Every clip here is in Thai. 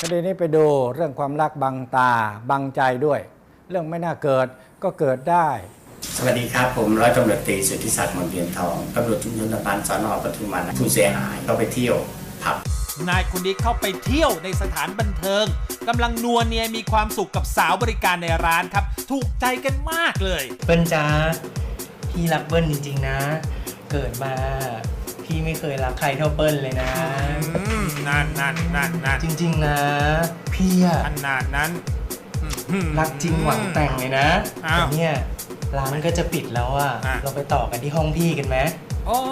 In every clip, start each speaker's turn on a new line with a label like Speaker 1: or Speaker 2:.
Speaker 1: คดีนี้ไปดูเรื่องความรักบังตาบังใจด้วยเรื่องไม่น่าเกิดก็เกิดได้
Speaker 2: สวัสดีครับผมร้อยตำรวจตรีสุทธิศักดิ์มนเทียนทองตำรวจชุมชนสัมพันธ์สน.ปทุมวันผู้เสียหายเข้าไปเที่ยวผับ
Speaker 3: นายคนนี้เข้าไปเที่ยวในสถานบันเทิงกำลังนัวเนียมีความสุขกับสาวบริการในร้านครับถูกใจกันมากเลย
Speaker 4: เปิ้ลจ้าพี่รักเปิ้ลจริงๆนะเกิดมาพี่ไม่เคยรักใครเท่าเปิ้ลเลยนะ
Speaker 3: นั่น
Speaker 4: จริงๆนะพี่อะ
Speaker 3: ขนาดนั้น
Speaker 4: รักจริงหวังแต่งเลยนะแต่เนี่ยร้านก็จะปิดแล้วอะเราไปต่อกันที่ห้องพี่กันไหม
Speaker 3: โอ้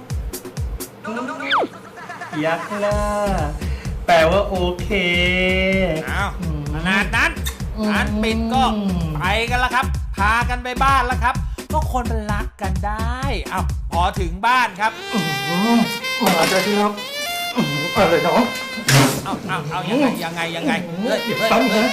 Speaker 4: ยักษ์ล่ะแปลว่าโอเค
Speaker 3: ขนาดนั้นร้านปิดก็ไปกันแล้วครับพากันไปบ้านแล้วครับก็คนมันรักกันได้พอถึงบ้านครับ
Speaker 4: มาเจอที่รักอะไรน้อง
Speaker 3: เอายังไง
Speaker 4: ตั้งนะ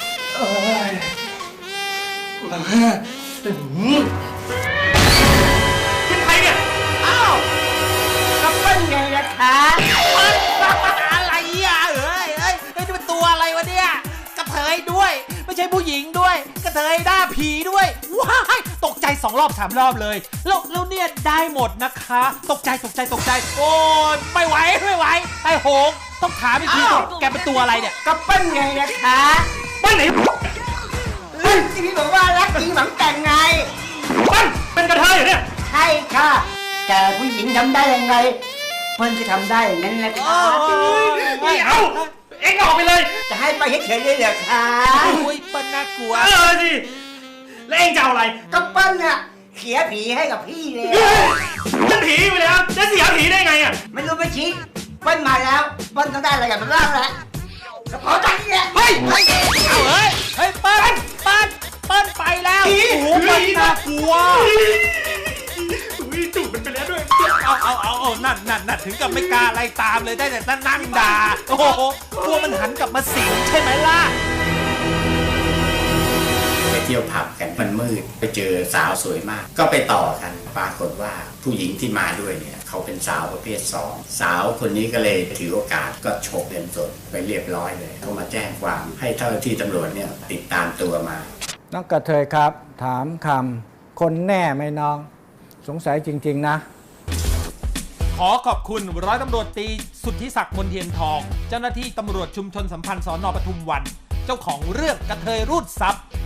Speaker 4: เป็นใครเนี่ย
Speaker 3: ก็เป็นไงนะคะอะไรอ่ะเอ้ยนี่เป็นตัวอะไรวะเนี่ยกระเทยด้วยไม่ใช่ผู้หญิงด้วยกระเทยหน้าผีด้วยว้ายตกใจ2 รอบ 3 รอบเลยแล้วเนี่ยได้หมดนะคะตกใจโอ้ยไม่ไหวไอ้โหงต้องถามอีกทีแกเป็นตัวอะไรเนี่ย
Speaker 5: ก็ปั้นไงนะคะ
Speaker 4: ปั้นไหน
Speaker 5: ที่พี่บอกว่ารักจริงหวังแต่งไง
Speaker 4: ปั้นเป็นกระเทยเหรอเนี่ย
Speaker 5: ใช่ค่ะแต่ผู้หญิงทำได้ยังไงเพิ่นจะทำได้อย่างนั้นแหละค่ะ
Speaker 4: ไม่เอาเอ็งออกไปเลย
Speaker 5: จะให้ไปเฉยๆเลยเหรอคะ
Speaker 3: อุ้ยเปิ้ลน่ากลัว
Speaker 4: สิแล้วเอ็งจะเอาอะไร
Speaker 5: ก็ปั้นน่ะเสียผีให้กับพี่เลย
Speaker 4: มันผีไปแล้วจะเสียผีได้ไงอ่ะ
Speaker 5: ไม่รู้ไปชี้ปั้นมาแล้วปั้นต้องได้อะไรกับมันบ้างแล้วขอจังเนี่ย
Speaker 3: เฮ้ยเปิ้ลไปแล้วโอ้โหมันน่ากลัว
Speaker 4: จูบมันไปแล้วด้วย
Speaker 3: เอานั่นถึงกับไม่กล้าไล่ตามเลยได้แต่นั่งด่าโอ้โหกลัวมันหันกลับมาสิงใช่ไหมล่ะ
Speaker 2: ไปเที่ยวผับกันมันมืดไปเจอสาวสวยมากก็ไปต่อกันปรากฏว่าผู้หญิงที่มาด้วยเนี่ยเขาเป็นสาวประเภท2สาวคนนี้ก็เลยถือโอกาสก็ฉกเงินสดไปเรียบร้อยเลยเขามาแจ้งความให้เจ้าหน้าที่ตำรวจเนี่ยติดตามตัวมา
Speaker 1: น้องกระเทยครับถามคำคนแน่ไหมน้องสงสัยจริงๆนะ
Speaker 3: ขอขอบคุณร้อยตำรวจตรีสุทธิศักดิ์มนเทียนทองเจ้าหน้าที่ตำรวจชุมชนสัมพันธ์สน.ปทุมวันเจ้าของเรื่องกระเทยรูดทรัพย์